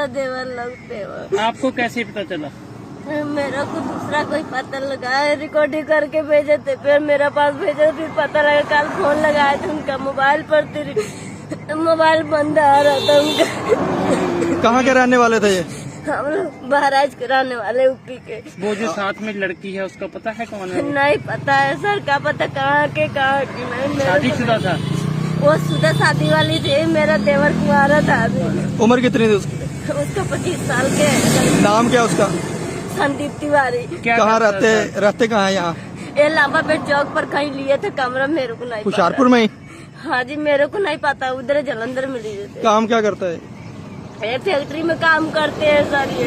मेरा देवर लगते हो। आपको कैसे पता चला? मेरा को दूसरा कोई पता लगाया, रिकॉर्डिंग करके भेजे थे, फिर मेरे पास भेजे, फिर पता लगा, कल फोन लगाया था उनका मोबाइल पर, मोबाइल बंद आ रहा था उनका। कहाँ के रहने वाले थे ये? हम लोग महाराज के रहने वाले यूपी के। वो जो साथ में लड़की है उसका पता है कौन है? नहीं पता है सर, क्या पता कहाँ की नहीं। मेरे शादीशुदा था? वो शुदा शादी वाली थी, मेरा देवर कुंवारा था अभी। उम्र कितनी थी उसकी? उसका 25 साल के। नाम क्या उसका? संदीप तिवारी। क्या कहाँ करता था? रहते कहाँ है यहाँ? ये लांबा पेट चौक पर कहीं लिए थे कमरा, मेरे को नहीं पता। हुशियारपुर में ही? हाँ जी, मेरे को नहीं पता, उधर जलंधर में लिए थे। काम क्या करता है? ये फैक्ट्री में काम करते हैं सर ये।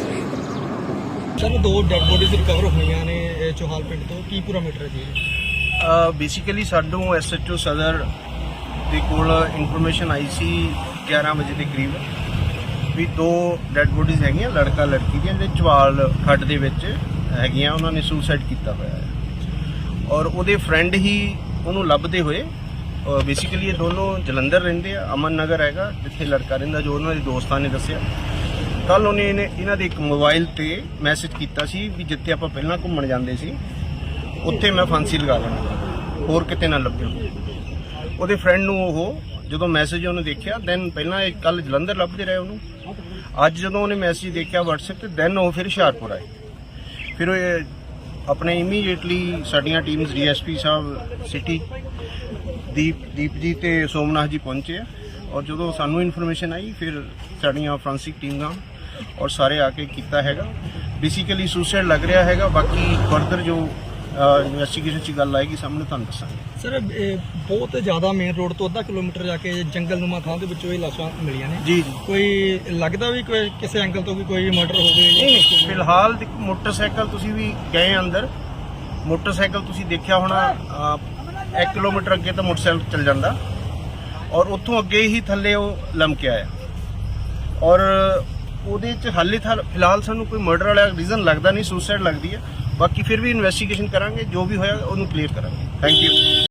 सर 2 ਡੈਡ ਬੋਡੀਜ਼ ਰਿਕਵਰ ਹੋਈਆਂ ਨੇ ਚੋਹਾਲ ਪਿੰਡ ਤੋਂ, ਕੀ ਪੂਰਾ ਮੈਟਰ ਹੈ ਜੀ? ਬੇਸਿਕਲੀ ਸਾਨੂੰ ਐਸਐਚਓ ਸਦਰ ਦੇ ਕੋਲ ਇਨਫੋਰਮੇਸ਼ਨ ਆਈ ਸੀ 11 ਵਜੇ ਦੇ ਕਰੀਬ ਵੀ 2 ਡੈਡ ਬੋਡੀਜ਼ ਹੈਗੀਆਂ, ਲੜਕਾ ਲੜਕੀ ਦੀਆਂ, ਜਿਹੜੇ ਚਵਾਲ ਖੱਡ ਦੇ ਵਿੱਚ ਹੈਗੀਆਂ, ਉਹਨਾਂ ਨੇ ਸੁਸਾਈਡ ਕੀਤਾ ਹੋਇਆ ਹੈ ਔਰ ਉਹਦੇ ਫਰੈਂਡ ਹੀ ਉਹਨੂੰ ਲੱਭਦੇ ਹੋਏ। ਬੇਸਿਕਲੀ ਇਹ ਦੋਨੋਂ ਜਲੰਧਰ ਰਹਿੰਦੇ ਆ, ਅਮਨ ਨਗਰ ਹੈਗਾ ਜਿੱਥੇ ਲੜਕਾ ਰਹਿੰਦਾ, ਜੋ ਉਹਨਾਂ ਦੇ ਦੋਸਤਾਂ ਨੇ ਦੱਸਿਆ। ਕੱਲ ਉਹਨੇ ਇਹਨਾਂ ਦੇ ਇੱਕ ਮੋਬਾਈਲ ਤੇ ਮੈਸੇਜ ਕੀਤਾ ਸੀ ਵੀ ਜਿੱਥੇ ਆਪਾਂ ਪਹਿਲਾਂ ਘੁੰਮਣ ਜਾਂਦੇ ਸੀ ਉੱਥੇ ਮੈਂ ਫਾਂਸੀ ਲਗਾ ਲੈਣਾ, ਹੋਰ ਕਿਤੇ ਨਾ ਲੱਭਿਓ। ਉਹਦੇ ਫਰੈਂਡ ਨੂੰ ਉਹ ਜਦੋਂ ਮੈਸੇਜ ਉਹਨੇ ਦੇਖਿਆ, ਦੈਨ ਪਹਿਲਾਂ ਇਹ ਕੱਲ ਜਲੰਧਰ ਲੱਭਦੇ ਰਹੇ ਉਹਨੂੰ, ਅੱਜ ਜਦੋਂ ਉਹਨੇ ਮੈਸੇਜ ਦੇਖਿਆ WhatsApp ਤੇ, ਦੈਨ ਉਹ ਫਿਰ ਹੁਸ਼ਿਆਰਪੁਰ ਆਏ। ਫਿਰ ਉਹ ਆਪਣੇ ਇਮੀਡੀਏਟਲੀ ਸਾਡੀਆਂ teams DSP sahib city Deep ji ਤੇ ਸੋਮਨਾਥ ਜੀ ਪਹੁੰਚੇ ਆ ਔਰ ਜਦੋਂ ਸਾਨੂੰ ਇਨਫੋਰਮੇਸ਼ਨ ਆਈ ਫਿਰ ਸਾਡੀਆਂ ਫੋਰੈਂਸਿਕ ਟੀਮਾਂ ਔਰ ਸਾਰੇ ਆ ਕੇ ਕੀਤਾ ਹੈਗਾ। ਬੇਸਿਕਲੀ ਸੁਸਾਈਡ ਲੱਗ ਰਿਹਾ ਹੈਗਾ, ਬਾਕੀ ਫਰਦਰ ਜੋ ਇਨਵੈਸਟੀਗੇਸ਼ਨ 'ਚ ਗੱਲ ਆਏਗੀ ਸਾਹਮਣੇ ਤੁਹਾਨੂੰ ਦੱਸਾਂਗੇ। ਸਰ ਬਹੁਤ ਜ਼ਿਆਦਾ ਮੇਨ ਰੋਡ ਤੋਂ ਅੱਧਾ ਕਿਲੋਮੀਟਰ ਜਾ ਕੇ ਜੰਗਲਨੁਮਾ ਥਾਂ ਦੇ ਵਿੱਚੋਂ ਇਹ ਲਾਸ਼ਾਂ ਮਿਲੀਆਂ ਨੇ ਜੀ ਕੋਈ ਲੱਗਦਾ ਵੀ ਕੋਈ ਕਿਸੇ ਐਂਗਲ ਤੋਂ ਵੀ ਕੋਈ ਮਰਡਰ ਹੋ ਗਈ? ਨਹੀਂ, ਫਿਲਹਾਲ ਮੋਟਰਸਾਈਕਲ ਤੁਸੀਂ ਵੀ ਗਏ ਅੰਦਰ, ਮੋਟਰਸਾਈਕਲ ਤੁਸੀਂ ਦੇਖਿਆ ਹੋਣਾ 1 ਕਿਲੋਮੀਟਰ ਅੱਗੇ ਤਾਂ ਮੋਟਰਸਾਈਕਲ ਚੱਲ ਜਾਂਦਾ ਔਰ ਉੱਥੋਂ ਅੱਗੇ ਹੀ ਥੱਲੇ ਉਹ ਲਮਕਿਆ ਆ ਔਰ ਉਹਦੇ 'ਚ ਹਾਲੇ ਫਿਲਹਾਲ ਸਾਨੂੰ ਕੋਈ ਮਰਡਰ ਵਾਲਾ ਰੀਜ਼ਨ ਲੱਗਦਾ ਨਹੀਂ, ਸੁਸਾਈਡ ਲੱਗਦੀ ਹੈ। ਬਾਕੀ ਫਿਰ ਵੀ ਇਨਵੈਸਟੀਗੇਸ਼ਨ ਕਰਾਂਗੇ, ਜੋ ਵੀ ਹੋਇਆ ਉਹਨੂੰ ਕਲੀਅਰ ਕਰਾਂਗੇ। Thank you.